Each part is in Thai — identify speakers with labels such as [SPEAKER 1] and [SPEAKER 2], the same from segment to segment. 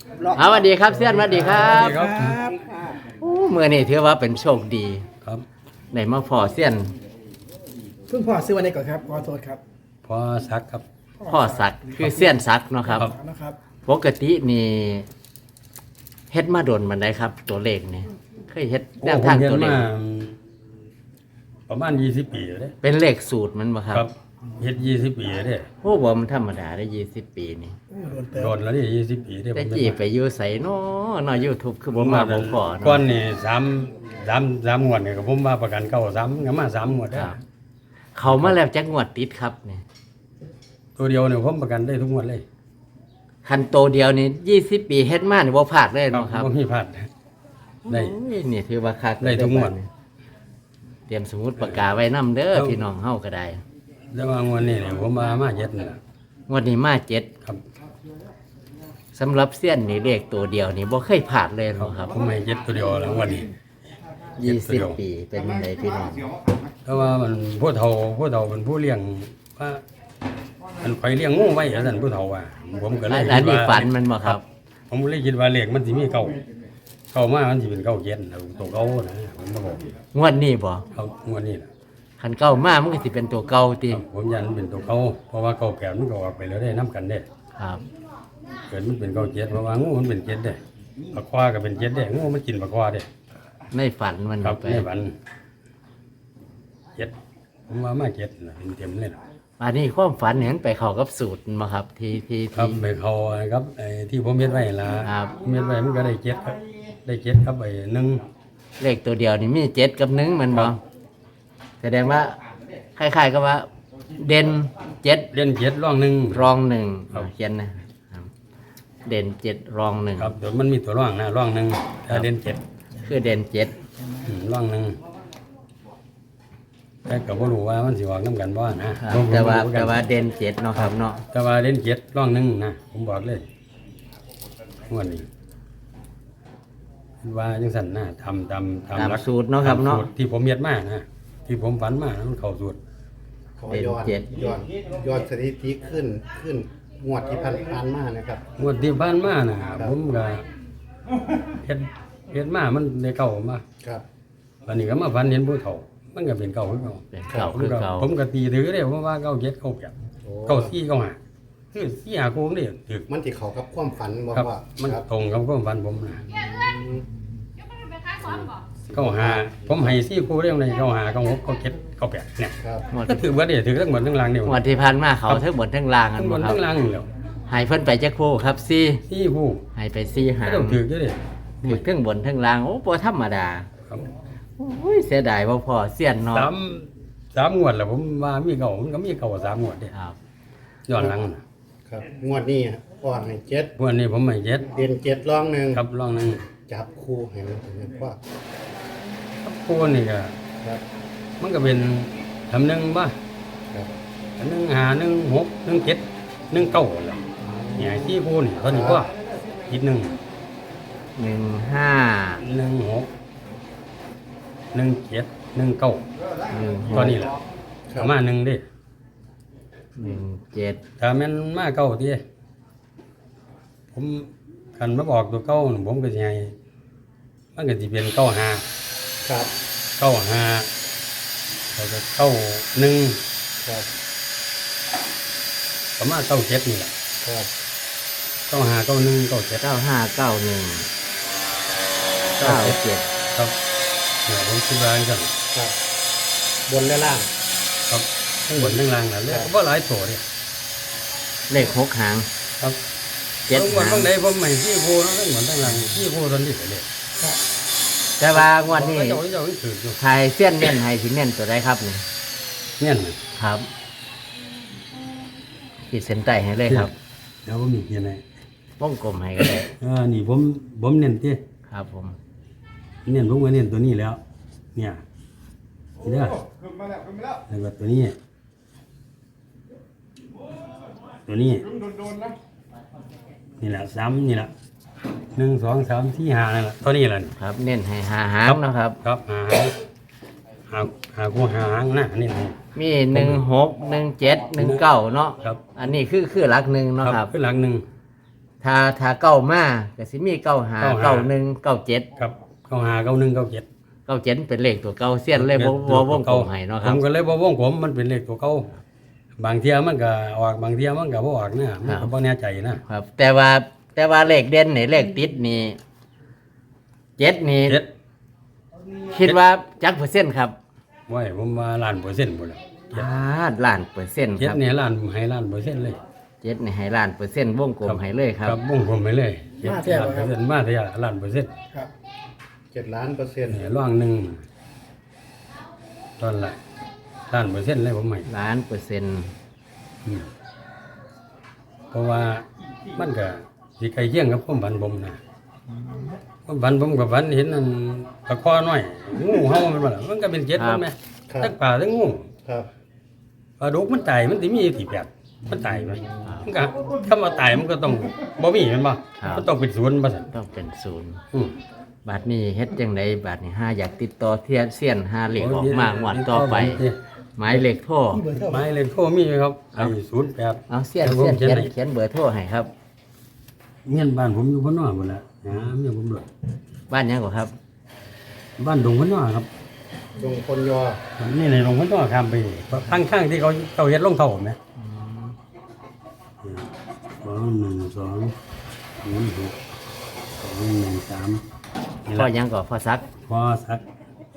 [SPEAKER 1] สวัสดีครับเซียนสวัสดีครับ
[SPEAKER 2] ครับ
[SPEAKER 1] โอ้เมื่อนี้ถือว่าเป็นโชคดี
[SPEAKER 2] ครับ
[SPEAKER 1] ได้มาพอเซียน
[SPEAKER 3] เพิ่งพ่อซื้อวันนี้ก่อนครับขอโทษครับ
[SPEAKER 2] พอสักครับ
[SPEAKER 1] พ่อศักดิ์คือเซียนศักดิ์เนาะครับ
[SPEAKER 2] ครับ
[SPEAKER 3] นะครับ
[SPEAKER 1] ปกตินี่เฮ็ดมาโดนมันได้ครับ ตัวเลขนี่เคยเฮ็ดแนวทาง
[SPEAKER 2] ผมเรียน
[SPEAKER 1] ตัวเลข
[SPEAKER 2] มาประมาณ20 ปีแล้วเด้
[SPEAKER 1] เป็นเลขสูตรมันบ่ครับ
[SPEAKER 2] ครับเฮ็ด20 ปีแล้วเด้
[SPEAKER 1] โอ้บ่มันธรรมดาได้20 ปีนี่
[SPEAKER 3] โอ้โดนเติม
[SPEAKER 2] โดนแล้วนี่20 ปีเด้
[SPEAKER 1] แต่
[SPEAKER 2] ผม
[SPEAKER 1] จีไปอยู่ไสเนาะเนาะ YouTube คือบ่มาบ่พอ
[SPEAKER 2] ก่อ
[SPEAKER 1] เนาะ
[SPEAKER 2] นนี่3งวดนี่ก็ผมมาประกันเก่า3ก็มา3งวด
[SPEAKER 1] ค
[SPEAKER 2] ได้
[SPEAKER 1] รับ เขามาแล้วจักงวดติดครับนี่
[SPEAKER 2] ตัวเดียวเนี่ยผมประกันได้ทุกงวดเลย
[SPEAKER 1] คันโตเดียวนี่20 ปีเฮ็ดมานี่บ่พลาดเลยเนาะครับ
[SPEAKER 2] บ่มีพลาดได้
[SPEAKER 1] โอ้ยนี่ถือว่าคัก
[SPEAKER 2] ได้ทุกงวด
[SPEAKER 1] เตรียมสมุดปากกาไว้นํเด้อ
[SPEAKER 2] ครับ
[SPEAKER 1] พี่น้องเฮาก็ได้
[SPEAKER 2] แต่ว่างวดนี้เนี่ยผมมาเย็ดนี่ล่ะ
[SPEAKER 1] งวดนี้มาเจ็ด
[SPEAKER 2] ครับ
[SPEAKER 1] สำหรับเสี้ยนนี่เลขตัวเดียวนี่บ่เคยพลาดเลยเนาะครับ
[SPEAKER 2] ผมให้เย็ดตัวเดียวแล้วงวดนี้
[SPEAKER 1] 20 ปีเป็นจังไดพี่น้อง
[SPEAKER 2] เพราะว่ามันผู้เฒ่าเป็นผู้เลี้ยงว่ามันไปเลี้ยงงูไว้ท่านผู้เฒ่าว่าผมก็เลย
[SPEAKER 1] อัน
[SPEAKER 2] คิด
[SPEAKER 1] นี้
[SPEAKER 2] ว่า
[SPEAKER 1] ฝันมันบ่ครับ
[SPEAKER 2] ผมเลยคิดว่าเลขมันสิมีเก่ามามันสิเป็นเก่าเย็นนะตัวเก่านะผมก็บอก
[SPEAKER 1] งวดนี้บ่
[SPEAKER 2] เอางวดนี้นะ
[SPEAKER 1] คันเก่ามามันก็สิเป็นตัวเก่าติ
[SPEAKER 2] ครับผมยันมันเป็นตัวเก่าเพราะว่าเก่าแก่มันก็ออกไปแล้วได้น้กันได้
[SPEAKER 1] ครับ
[SPEAKER 2] เกิดมันเป็นเก่าเจ็ดเพราะว่างูมันเป็นเจ็ดได้ปลาควาก็เป็นเจ็ดได้งูมันกินปลาควาได้
[SPEAKER 1] ในฝันมัน
[SPEAKER 2] ครับ
[SPEAKER 1] ไป
[SPEAKER 2] ในวันเจ็ดผมว่ามาเจ็ดนะเป็นเต็มเลยนะ
[SPEAKER 1] อันนี้ความฝันเห็นไปเข้ากับสูตรบ่ครับที่
[SPEAKER 2] ครับไปเขาครับไอ้ที่ผมเม็ดไว้ล่ะ
[SPEAKER 1] ครับ
[SPEAKER 2] เม็ดไว้มันก็ได้เจ็ดครับได้เจ็ดครับไอ้หนึ่ง
[SPEAKER 1] เลขตัวเดียวนี่มี7กับ1มันบ่แสดงว่าคล้ายๆกับว่า เด่น7
[SPEAKER 2] เล่นเจ็ดร่องหนึ่ง
[SPEAKER 1] รองหนึ่ง
[SPEAKER 2] ครับ
[SPEAKER 1] เขียนนะครับเด่น7รองหนึ่ง
[SPEAKER 2] ครับเดี๋ยวมันมีตัวร่องนะร่องหนึ่งถ้าเล่นเจ็ด
[SPEAKER 1] คือเด่น7
[SPEAKER 2] ร่องหนึ่งแต่ก็บ่รู้ว่ามันสิออกน้ำกันบ่นะครับ ผม
[SPEAKER 1] แต่ว่า
[SPEAKER 2] บ่รู้คือกัน
[SPEAKER 1] แต่ว่าเด่น7เนาะครับเนาะ
[SPEAKER 2] แต่ว่าเล่นเจ็ดร่องหนึ่งนะผมบอกเลยงวดนี้ว่าจังสันนะทำ
[SPEAKER 1] ตาม
[SPEAKER 2] หลัก
[SPEAKER 1] สูตรเนาะครับเนาะ
[SPEAKER 2] ตสูตที่ผมเม็ดมานะที่ผมฝันมานะมันเข้าสูตร
[SPEAKER 3] ขอย้อนสถิติขึ้นงวดที่ผ่านมานะครับ
[SPEAKER 2] งวดที่ผ่านมานะผมก็เฮ็ดมามันได้เก่ามา
[SPEAKER 3] ครับ
[SPEAKER 2] วันนี้ก็มาฝันเห็นผู้เฒ่า มันก็เป็นเก่าคือเก่า
[SPEAKER 1] เป็นเก่าคือเก่า
[SPEAKER 2] ผมก็ตีถือได้เพราะว่าเก่าเจ็ดเก่าแปด
[SPEAKER 3] โอ้
[SPEAKER 2] เก่าสี่เก่าห้าคือสี่หาโค้งนี่ถือ
[SPEAKER 3] มันที่เขากับความฝันบอก
[SPEAKER 2] ครับ
[SPEAKER 3] ว่า
[SPEAKER 2] มัน
[SPEAKER 3] ครับ
[SPEAKER 2] ตรงกับความฝันผมนะ
[SPEAKER 3] อืม
[SPEAKER 2] เก่าห้าผมให้สี่คู่เรื่องในเก่าห้าเก่าหกเก่าเจ็ดเก่าแปดเนี่ย
[SPEAKER 3] ครับ
[SPEAKER 1] งวด
[SPEAKER 2] ก็ถือว่าเดี๋ยวถือทั้งหมดทั้งรางเดียว
[SPEAKER 1] งวดที่ผ่านมาเขาทั้งหมดทั้งล่างกั
[SPEAKER 2] ทั้
[SPEAKER 1] น
[SPEAKER 2] งหม
[SPEAKER 1] บ่
[SPEAKER 2] ด
[SPEAKER 1] ครั
[SPEAKER 2] ทั้
[SPEAKER 1] บ
[SPEAKER 2] งรางเดียว
[SPEAKER 1] ให้เพิ่นไปจักคู่ครับซี่
[SPEAKER 2] สี่คู่
[SPEAKER 1] ให้ไปซี่หา
[SPEAKER 2] ก็
[SPEAKER 1] ง
[SPEAKER 2] ต้องถือเยอะเลย
[SPEAKER 1] ถึกทั้งบนทั้งล่างโอ้บ่ธรรมดา
[SPEAKER 2] ครับ
[SPEAKER 1] โอ้ยเสียดายบ่พอเสี้ยนเนาะ
[SPEAKER 2] สามงวดแล้วผมว่ามีเก่ามันก็มีเก่าสามงวดเด้
[SPEAKER 1] ครับ
[SPEAKER 2] ย้อนหลังน่ะ
[SPEAKER 3] ครับงวดนี้อ่อนให้เจ็ด
[SPEAKER 2] งวันนี้ผมไม่เจ็ด
[SPEAKER 3] เด่นเจ็ดร่องหนึ่ง
[SPEAKER 2] ครับลองหนึง
[SPEAKER 3] จับคู่ให้มันถึงว่า
[SPEAKER 2] ครับคู่นี่ก็
[SPEAKER 3] ครับ
[SPEAKER 2] มันก็เป็นทำหนึ่งบ้า
[SPEAKER 3] ครับ
[SPEAKER 2] หนึ่งหาหนึ่งหกหนึ่งเจ็ดหนึ่งเก้าแหละเนี่ยที่คู่นี่เท่านี้ก็อีกหนึ่ง
[SPEAKER 1] 15
[SPEAKER 2] หนึ่งหกหนึ่งเจ็ดหนึ่งเก้า
[SPEAKER 1] 16
[SPEAKER 2] ตอนนี้แหละประมาณหนึ่งเดิ
[SPEAKER 1] 17
[SPEAKER 2] ถ้าแม่นมาเก้าทีผมคันมาบอกตัวเก้าน่ะผมก็จะให้มันก็จะเป็นเก้าหา
[SPEAKER 3] ครับ
[SPEAKER 2] เก้าหาแล้วก็เก้าหนึ่ง
[SPEAKER 3] ครับ
[SPEAKER 2] ประมาณเก้าเจ็ดนี่แหละ
[SPEAKER 3] ครับ
[SPEAKER 2] เก้าหาเก้าหนึ่งเก้าเจ็ด
[SPEAKER 1] 9591 97
[SPEAKER 2] ครับเนี่ยผมคิดว่าจัง
[SPEAKER 3] ครับบนและล่าง
[SPEAKER 2] ครับทั้งบนทั้งล่างนะเลยก็บ่หลายตัวเนี่ย
[SPEAKER 1] เลข6หาง
[SPEAKER 2] ครับ
[SPEAKER 1] 7
[SPEAKER 2] ทั้งบน
[SPEAKER 1] หาง
[SPEAKER 2] ทั้งใดผมไม่ที่โพนะทั้งบนทั้งล่างที่โพตอนนี้เลย
[SPEAKER 1] แต่ว่างวดนี้
[SPEAKER 2] เจ้าถืออยู่
[SPEAKER 1] ไทยเสี้ยนเน้นให้สิเน้นตัวใดครับนี่
[SPEAKER 2] เนี่ยน่ะ
[SPEAKER 1] ครับขีดเส้นใต้ให้เลยครับ
[SPEAKER 2] เดี๋ยวผมมีเพียงไง
[SPEAKER 1] วงกลมให้ก็ได้
[SPEAKER 2] นี่ผมเน้นที่
[SPEAKER 1] ครับผม
[SPEAKER 2] เน้นผมก็เน้นตัวนี้แล้ว เนี่ยนี่เด้อแล้วก็ตัวนี้ ตัวนี้นี่แหละซ้ำนี่แหละ1 2 3 4 5นั่นแหละตัวนี้แหละนี่
[SPEAKER 1] ครับ เน้นให้หาหางเนาะครับ
[SPEAKER 2] ครับหากูหางนะนี่นะ
[SPEAKER 1] มี16 17 19เนาะ
[SPEAKER 2] ครับ
[SPEAKER 1] อันนี้คือหลักหนึ่งเนาะครับ
[SPEAKER 2] ขึ้นหลังหนึ่ง
[SPEAKER 1] ถ้าเก้ามาก็สิมี95 91 97
[SPEAKER 2] ครับเข้าหา91 97
[SPEAKER 1] 97เป็นเลขตัวเก่าเสี้ยนเลยบ่วงกลมให้เนาะค
[SPEAKER 2] ผ
[SPEAKER 1] รับ
[SPEAKER 2] มก็เลยบ่วงผมมันเป็นเลขตัวเก่าบางเที่ยมันก็ออกบางเที่ยมันก็บ่ออกนะมันก็บ่แน่ใจนะครับ
[SPEAKER 1] แต่ว่าเลขเด่นนี่เลขติดนี่7นี่
[SPEAKER 2] เจ็ด
[SPEAKER 1] คิดว่าจักเปอร์เซ็นต์ครับ
[SPEAKER 2] ไว้ผมว่าล้านเปอร์เซ็นต์พุ่นล่ะ
[SPEAKER 1] ล้านเปอร์เซ็นต์
[SPEAKER 2] เจ็
[SPEAKER 1] ค
[SPEAKER 2] ด
[SPEAKER 1] รับ
[SPEAKER 2] เนี่ยล้านให้ล้านเปอร์เซ็นต์เลย
[SPEAKER 1] 7นี่ให้ล้านเปอร์เซ็นต์วงกลมให้เลยครับ
[SPEAKER 2] ครับวงผมไปเลยเจ็ดล้านเปอร์เซ็นต์มาเท่าล้านเปอร์เซ็นต์
[SPEAKER 3] ครับ7,000,000%
[SPEAKER 2] เนี่ยร่องหนึงตอนละล้านเปอร์เซ็นต์เลยผมให้
[SPEAKER 1] ล้านเปอร์เซ็นต์
[SPEAKER 2] อืมเพราะว่ามันก็สิใกล้เคียงกับความฝันผมนะความฝันผมกับฝันเห็นนั่นตะคอน้อยงูเห่ามันบ่ล่ะมันก็เป็นเจ็ดมันแหม
[SPEAKER 3] ครับ
[SPEAKER 2] ทั้งป่าทั้งงู
[SPEAKER 3] ครับ
[SPEAKER 2] ปลาดุกมันตายมันสิมีที่แปดมันตายไหมมันก็คำว่าตายมันก็ต้องบ่มีแม่นบ่มันต้องเป็นศูนย์บ่ซั่น
[SPEAKER 1] ต้องเป็นศูนย์
[SPEAKER 2] อืม
[SPEAKER 1] บาทนี้เฮ็ดจังไดบาทนี้ห้าอยากติดต่อเทียนเสี้ยนหาเลขออกมางวดต่อไป หมายเลขโทร
[SPEAKER 2] หมายเลขโทรมีไหมครับไอ้08
[SPEAKER 1] เอาเสี้ยน
[SPEAKER 2] ผม
[SPEAKER 1] เขียน
[SPEAKER 2] ให้
[SPEAKER 1] เขียนเบอร์โทรให้ครับ
[SPEAKER 2] เมียนบ้านผมอยู่พนนอกพุ่นล่ะเมียผมด้วย
[SPEAKER 1] บ้านหยังก่อครับ บ้า
[SPEAKER 2] บ้านดงพนนอกครับ
[SPEAKER 3] ดงคนยอ
[SPEAKER 2] นี่ในดงพนนอกข้ามไปนี่ข้างๆที่เขาเฮ็ดรองเท้าแม่21206 213
[SPEAKER 1] พ่อหยังก่อพ่อซัก
[SPEAKER 2] พอสัก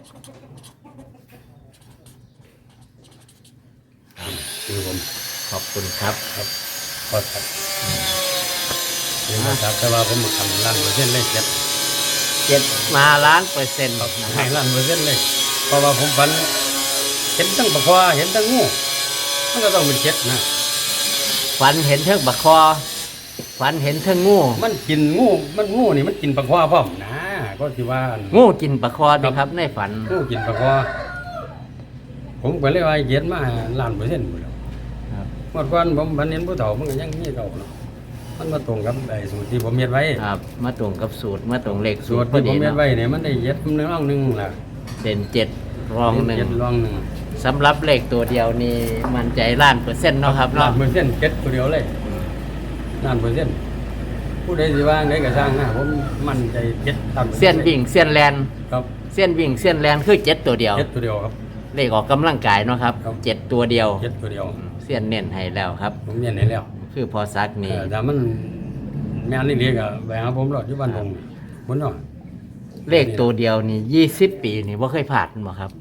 [SPEAKER 2] คือผม
[SPEAKER 1] ขอบคุณครับ
[SPEAKER 2] ครับพอสักคือพอสักแต่ว่าผมทำล้านเปอร์เซ็นต์เลยเจ็ด
[SPEAKER 1] มาล้านเปอร์เซ็นต์นะค
[SPEAKER 2] ให้
[SPEAKER 1] รับ
[SPEAKER 2] ล้านเปอร์เซ็นต์เลยเพราะว่าผมฝันเห็นตั้งปะควาเห็นตั้งงูมันก็ต้องเป็นเจ็ดนะ
[SPEAKER 1] ฝันเห็นเทิงบักคอฝันเห็นเทิงงู
[SPEAKER 2] มันกินงูมันงูนี่มันกินปะควาพร้อมนะก็ที่ว่า
[SPEAKER 1] งูกินบักคอดีครับในฝัน
[SPEAKER 2] งูกินปะควาผมก็เลยว่าเย็นมาล้านเปอร์เซ็นต์หมดแล้ว
[SPEAKER 1] ครับ
[SPEAKER 2] เมื่อก่อนผมพันเห็นผู้เฒ่ามันก็ยังมีเก่าเนาะมันมาตรงกับไอ้สูตรที่ผมเฮ็ดไว้
[SPEAKER 1] ครับมาตรงกับสูตรมาตรงเลข
[SPEAKER 2] สู
[SPEAKER 1] สู
[SPEAKER 2] ต
[SPEAKER 1] ต
[SPEAKER 2] ร
[SPEAKER 1] รพอ
[SPEAKER 2] ที่ผ
[SPEAKER 1] ดี
[SPEAKER 2] มเฮ็ด
[SPEAKER 1] เนาะ
[SPEAKER 2] ไว้เนี่ยมันได้เย็ดหนึ่งร่องหนึ่งล่ะ
[SPEAKER 1] เด่นเจ็ดรองหนึ่ง
[SPEAKER 2] เย็ดร่องหนึ่ง
[SPEAKER 1] สำหรับเลขตัวเดียวนี่มันใจล้านเปอร์เซ็นต์เนาะครับ
[SPEAKER 2] ล้า
[SPEAKER 1] เนาะ
[SPEAKER 2] นเปอร์เซ็นต์เจ็ดตัวเดียวเลยล้านเปอร์เซ็นต์ผู้ใดสิว่าไงก็สร้างนะผมมั่นใจเจ็ดตัน
[SPEAKER 1] เสี้ยนวิ่งเสี้ยนแลน
[SPEAKER 2] ครับ
[SPEAKER 1] เสี้ยนวิ่งเสี้ยนแลนคือเจ็ดตัวเดียว
[SPEAKER 2] เจ็ดตัวเดียวครับ
[SPEAKER 1] เลขออกกำลังกายเนาะครับ
[SPEAKER 2] ครับ
[SPEAKER 1] เจ็ดตัวเดียว
[SPEAKER 2] เจ็ดตัวเดียว
[SPEAKER 1] เสี้ยนเน้นให้แล้วครับ
[SPEAKER 2] ผมเรียนให้แล้ว
[SPEAKER 1] คือพอซักนี่
[SPEAKER 2] แต่มันแม่นนี่เรียกอะไปหาผมรอดอยู่บ้านผมคนเนาะ
[SPEAKER 1] เลขตัวเดียวนี่20 ปีนี่บ่เคยผ่านบ่ครับ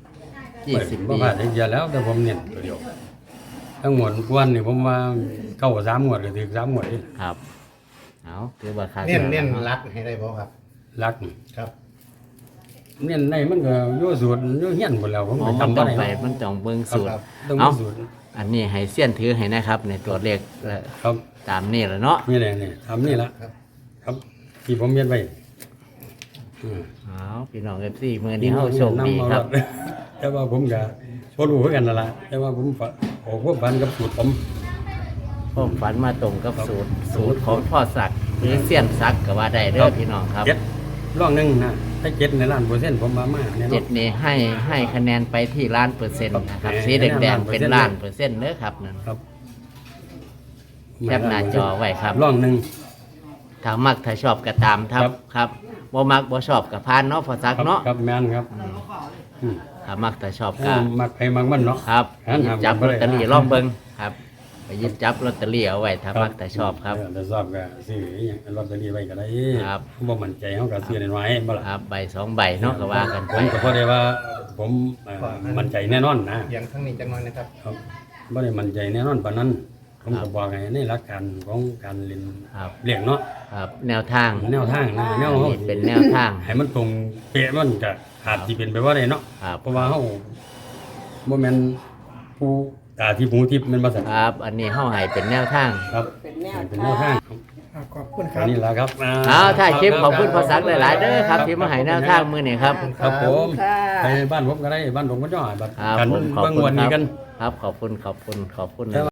[SPEAKER 1] 20
[SPEAKER 2] บ่
[SPEAKER 1] ปี
[SPEAKER 2] พลาดเยอะแล้วแต่ผมเน้นตัวเดียวทั้งหมดกวนนี่ผมว่าเข้า3งวดก็ถึง3งวดนี่
[SPEAKER 1] ครับเอาถือว่าค่า
[SPEAKER 3] เน้นรักให้ได้บ่ครับ
[SPEAKER 2] รักนี่
[SPEAKER 3] ครับ
[SPEAKER 2] เน้นในมันก็อยู่สูตรอยู่เฮียนหมดแล้วผม
[SPEAKER 1] อ๋อ
[SPEAKER 2] ก็
[SPEAKER 1] มัน
[SPEAKER 2] จำ
[SPEAKER 1] ต้
[SPEAKER 2] บ่
[SPEAKER 1] อง
[SPEAKER 2] ได้
[SPEAKER 1] ไปมันต้องเบิ่ง
[SPEAKER 2] ครับ
[SPEAKER 1] สูตร
[SPEAKER 2] ครับต้องมี
[SPEAKER 1] เอา
[SPEAKER 2] สูตร
[SPEAKER 1] อันนี้ให้เสี้ยนถือให้นะครับในตัวเลข
[SPEAKER 2] ครับ
[SPEAKER 1] ตามนี่แหละเนาะ
[SPEAKER 2] นี่แหละนี่ทำนี่ละ
[SPEAKER 3] ครับ
[SPEAKER 2] ครับ ที่ผมเรียนไว้อืม
[SPEAKER 1] เอาพี่น้อง FC มื้อนี้เฮาโชคดีครับ
[SPEAKER 2] แต่ว่าผมก็บ่รู้คือกันนั่นล่ะแต่ว่าผมฝากออกพวกพันกับสูตรผม
[SPEAKER 1] ผมฝันมาตรงกับสูตรของพ่อศักดิ์หรือเสี้ยนศักดิ์ก็ว่าได้เด้อพี่น้องครับ
[SPEAKER 2] เจ็ดร่องหนึงนะถ้าเจ็ดในล้านเปอร์เซ็นต์ผมมาแน่น
[SPEAKER 1] เจ็
[SPEAKER 2] อ
[SPEAKER 1] ด
[SPEAKER 2] น
[SPEAKER 1] นี่ให้คะแนนไปที่ล้านเปอร์เซ็นต์นะครับ
[SPEAKER 2] ครับ
[SPEAKER 1] สีแดงๆเป็น
[SPEAKER 2] ล้า
[SPEAKER 1] ล้าน น
[SPEAKER 2] เป
[SPEAKER 1] เป
[SPEAKER 2] อ
[SPEAKER 1] อ
[SPEAKER 2] ร์
[SPEAKER 1] ร์
[SPEAKER 2] เซ็
[SPEAKER 1] เซ็
[SPEAKER 2] น
[SPEAKER 1] น
[SPEAKER 2] ต์
[SPEAKER 1] ต์เด้อครับนั่น
[SPEAKER 2] ครับ
[SPEAKER 1] แคปหน้าจอไว้ครับ
[SPEAKER 2] ร่องหนึง
[SPEAKER 1] ถ้ามักถ้าชอบก็ตามครับ
[SPEAKER 2] ครับ
[SPEAKER 1] ครับบ่มักบ่ชอบก็ผ่านเนาะพ่อศัก
[SPEAKER 2] ครั
[SPEAKER 1] ดิ์เนาะ
[SPEAKER 2] ครับแม่นครับอืม
[SPEAKER 1] ถ้ามักถ้าชอบก็
[SPEAKER 2] มักใครมักมันเนาะ
[SPEAKER 1] ครับ
[SPEAKER 2] งั้น
[SPEAKER 1] หยิบจับ
[SPEAKER 2] ห้าม
[SPEAKER 1] ลอตเตอรี่
[SPEAKER 2] บ่ได้
[SPEAKER 1] ลองเบิ่งครับไปหยิบจับลอตเตอรี่เอาไว้ถ้ามักถ้าชอบครับ
[SPEAKER 2] ถ้าชอบก็ซื้ออหย่างลอตเตอรี่ไว้ก็ได้
[SPEAKER 1] ครับ
[SPEAKER 2] บ่มั่นใจเฮาก็ซื้อน้อยๆบ่ล่ะ
[SPEAKER 1] ครับใบสองใบเนาะก็ว่ากัน
[SPEAKER 2] ผ
[SPEAKER 1] ไป
[SPEAKER 2] มก็พอได้ว่าผมมั่นใจแน่นอนนะ
[SPEAKER 3] เสียงทั้งนี้จังน้อยนะครับ
[SPEAKER 2] ครับบ่ได้มั่นใจแน่นอนปานนั้น ผมก็บอกให้ในหลักการของการเรียน
[SPEAKER 1] ครับ
[SPEAKER 2] เรียงเนาะ
[SPEAKER 1] ครับแนวทาง
[SPEAKER 2] แนวทางนะแนวเฮา
[SPEAKER 1] นี่เป็นแนวทาง
[SPEAKER 2] ให้มันตรงเป๊ะมันก็อาจสิเป็นไปบ่ได้เนาะ
[SPEAKER 1] ครับ
[SPEAKER 2] เพราะว่าเฮาบ่แม่นผู้ตาที่หูทิพย์แม่นบ่ซั่น
[SPEAKER 1] ครับ อันนี้เฮาให้เป็นแนวทาง
[SPEAKER 2] ครับเป็นแนวทาง
[SPEAKER 3] ขอบคุณค
[SPEAKER 2] อั
[SPEAKER 3] รั
[SPEAKER 2] น
[SPEAKER 3] บ
[SPEAKER 2] นี้ล่ะครับ
[SPEAKER 1] เอาถ่ายคลิปขอบคุณพ่อศักดิ์หลายๆเด้อครับที่มาให้แนวทางมื้อนี้ครับ
[SPEAKER 2] ครับผมไปบ้านผมก็ได้บ้านผมก็ย่อบัด
[SPEAKER 1] ครับ
[SPEAKER 2] กัน
[SPEAKER 1] ผมขอบ
[SPEAKER 2] เบิ่ง
[SPEAKER 1] คุณ
[SPEAKER 2] วัน
[SPEAKER 1] ค
[SPEAKER 2] นี้
[SPEAKER 1] รับ
[SPEAKER 2] กัน
[SPEAKER 1] ครับขอบคุณ